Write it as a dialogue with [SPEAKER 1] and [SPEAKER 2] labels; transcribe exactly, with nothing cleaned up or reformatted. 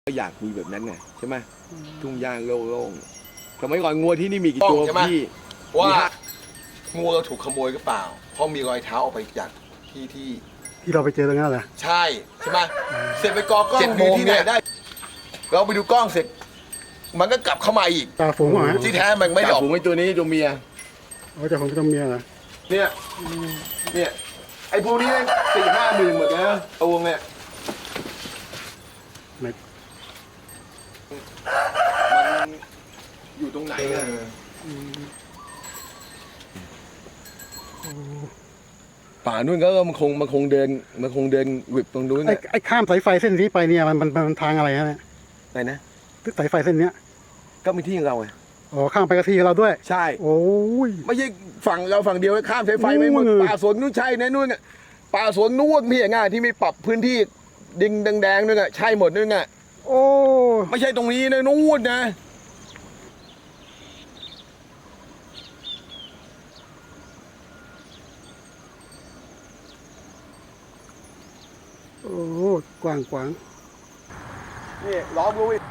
[SPEAKER 1] ก็อยากมีแบบนั้นไงใช่ไหมทุ่งหญ้าโล่งๆสมัยก่อนงัวที่นี่มีกี่ตัวพี่
[SPEAKER 2] ว่างูเราถูกขโมยหรือเปล่าเพราะมีรอยเท้าออกไปจากที่ที่
[SPEAKER 3] ที่เราไปเจอตรงนั้นเหรอ
[SPEAKER 2] ใช่ใช่ไหมเสร็จไปกอกล้องดูที่ไหนได้ เราไปดูกล้องเสร็จ มันก็กลับเข้ามาอีก
[SPEAKER 3] จ่าฝูงเหรอฮะ
[SPEAKER 2] ที่แท้มันไม่ได้ออก
[SPEAKER 1] ผมไอ้ตัวนี้ตัวเมีย
[SPEAKER 3] อ๋อจ่าฝูงตัวเมียเหรอ
[SPEAKER 1] เนี่ยเนี่ยไอ้พวกนี้สี่ห้าหมื่นหมดแล้วตัวเนี่ย
[SPEAKER 3] ไม่
[SPEAKER 1] มันอยู่ตรงไหนอะ ป่านู่นก็มันคงมันคงเดินมันคงเดินวิบตรงนู้น
[SPEAKER 3] ไอ้
[SPEAKER 1] น่ะ
[SPEAKER 3] ไอ้ข้ามสายไฟเส้นนี้ไปเนี่ยมันมันมันทางอะไรฮะเนี่ย
[SPEAKER 1] ไหนนะ
[SPEAKER 3] สายไฟเส้นเนี้ย
[SPEAKER 1] ก็มีที่ของเราไง
[SPEAKER 3] อ๋อข้ามไปกะทีเราด้วย
[SPEAKER 1] ใช่
[SPEAKER 3] โอ้ย
[SPEAKER 1] ไม่ใช่ฝั่งเราฝั่งเดียวข้ามสายไฟไม่หมด
[SPEAKER 3] นู่น
[SPEAKER 1] ป่าสวนนู่นใช่นะนู่นน่ะป่าสวนนู่นพี่อย่างง่ายที่มีปรับพื้นที่ดิงแดงๆนู่นน่ะใช่หมดนู่นน่ะ
[SPEAKER 3] โอ้
[SPEAKER 1] ไม่ใช่ตรงนี้นะนู่นนะ
[SPEAKER 3] โอ้กว้างกว้าง
[SPEAKER 1] นี่ล้อมรู้อีก